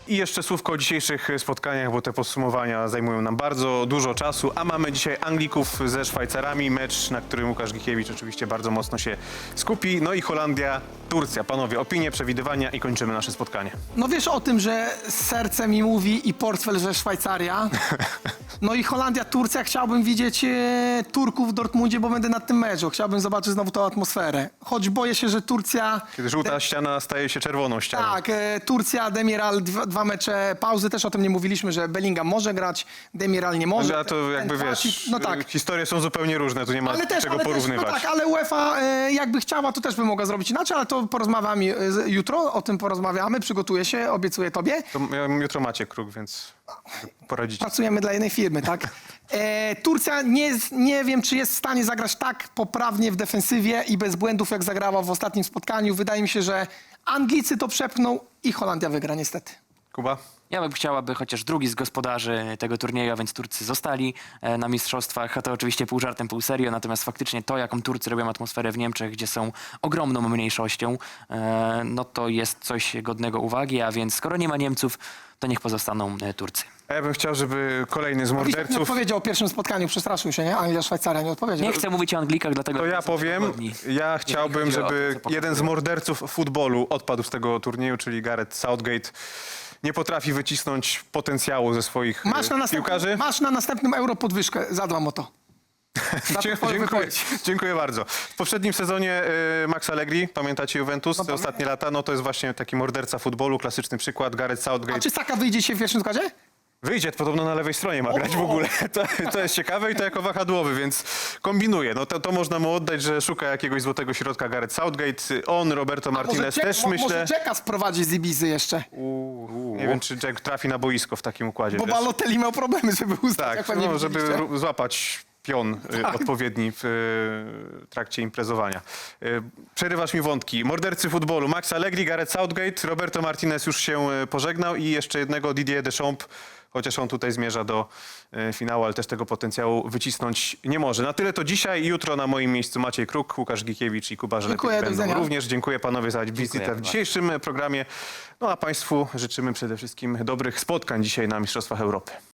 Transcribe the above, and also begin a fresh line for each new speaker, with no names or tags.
I jeszcze słówko o dzisiejszych spotkaniach, bo te podsumowania zajmują nam bardzo dużo czasu, a mamy dzisiaj Anglików ze Szwajcarami, mecz, na którym Łukasz Gikiewicz oczywiście bardzo mocno się skupi. No i Holandia, Turcja. Panowie, opinie, przewidywania i kończymy nasze spotkanie.
No wiesz o tym, że serce mi mówi i portfel, że Szwajcaria. No i Holandia, Turcja. Chciałbym widzieć Turków w Dortmundzie, bo będę na tym meczu. Chciałbym zobaczyć znowu tą atmosferę. Choć boję się, że Turcja...
Kiedy żółta ściana staje się czerwoną ścianą.
Tak, Turcja, Demiral, dwa mecze pauzy. Też o tym nie mówiliśmy, że Bellingham może grać, Demiral nie może.
A to jakby
Ten
wiesz,
Facit, no tak.
historie są zupełnie różne, tu nie ma czego porównywać.
No tak, ale UEFA jakby chciała, to też by mogła zrobić inaczej, ale to porozmawiamy jutro, o tym porozmawiamy, przygotuję się, obiecuję tobie.
To jutro macie kruk, więc poradzicie.
Pracujemy dla jednej firmy, tak? Turcja nie wiem, czy jest w stanie zagrać tak poprawnie w defensywie i bez błędów, jak zagrała w ostatnim spotkaniu. Wydaje mi się, że Anglicy to przepchną i Holandia wygra niestety.
Kuba?
Ja bym chciała, by chociaż drugi z gospodarzy tego turnieju, a więc Turcy, zostali na mistrzostwach. A to oczywiście pół żartem, pół serio. Natomiast faktycznie to, jaką Turcy robią atmosferę w Niemczech, gdzie są ogromną mniejszością, no to jest coś godnego uwagi. A więc skoro nie ma Niemców, to niech pozostaną Turcy.
A ja bym chciał, żeby kolejny z
Widzisz, nie
morderców...
odpowiedział o pierwszym spotkaniu, przestraszył się, nie? Anglia, Szwajcaria, nie odpowiedział.
Nie chcę mówić o Anglikach, dlatego...
To ja powiem, ja chciałbym,
chodzi o to,
żeby
co pokazuje.
jeden z morderców futbolu odpadł z tego turnieju, czyli Gareth Southgate. Nie potrafi wycisnąć potencjału ze swoich piłkarzy.
Masz na następnym Euro podwyżkę, zadbam o to.
Dziękuję bardzo. W poprzednim sezonie Max Allegri, pamiętacie Juventus, te ostatnie lata, no to jest właśnie taki morderca futbolu, klasyczny przykład, Gareth
A
Southgate.
czy Saka wyjdzie się w pierwszym składzie?
Wyjdzie, podobno na lewej stronie ma grać w ogóle. To jest ciekawe i to jako wahadłowy, więc kombinuje. No to można mu oddać, że szuka jakiegoś złotego środka Gareth Southgate. On, Roberto Martinez też myślę.
Może Jacka sprowadzi z Ibizy jeszcze.
Nie wiem, czy Jack trafi na boisko w takim układzie.
Bo
wiesz.
Balotelli miał problemy, żeby ustać,
Tak,
jak pewnie
no, żeby
widzieliście.
złapać pion odpowiedni w trakcie imprezowania. Przerywasz mi wątki. Mordercy futbolu. Max Allegri, Gareth Southgate, Roberto Martinez już się pożegnał i jeszcze jednego Didier Deschamps, chociaż on tutaj zmierza do finału, ale też tego potencjału wycisnąć nie może. Na tyle to dzisiaj i jutro na moim miejscu Maciej Kruk, Łukasz Gikiewicz i Kuba Żelek
Dziękuję, do
będą
widzenia.
również. Dziękuję panowie za wizytę w dzisiejszym programie. No a państwu życzymy przede wszystkim dobrych spotkań dzisiaj na Mistrzostwach Europy.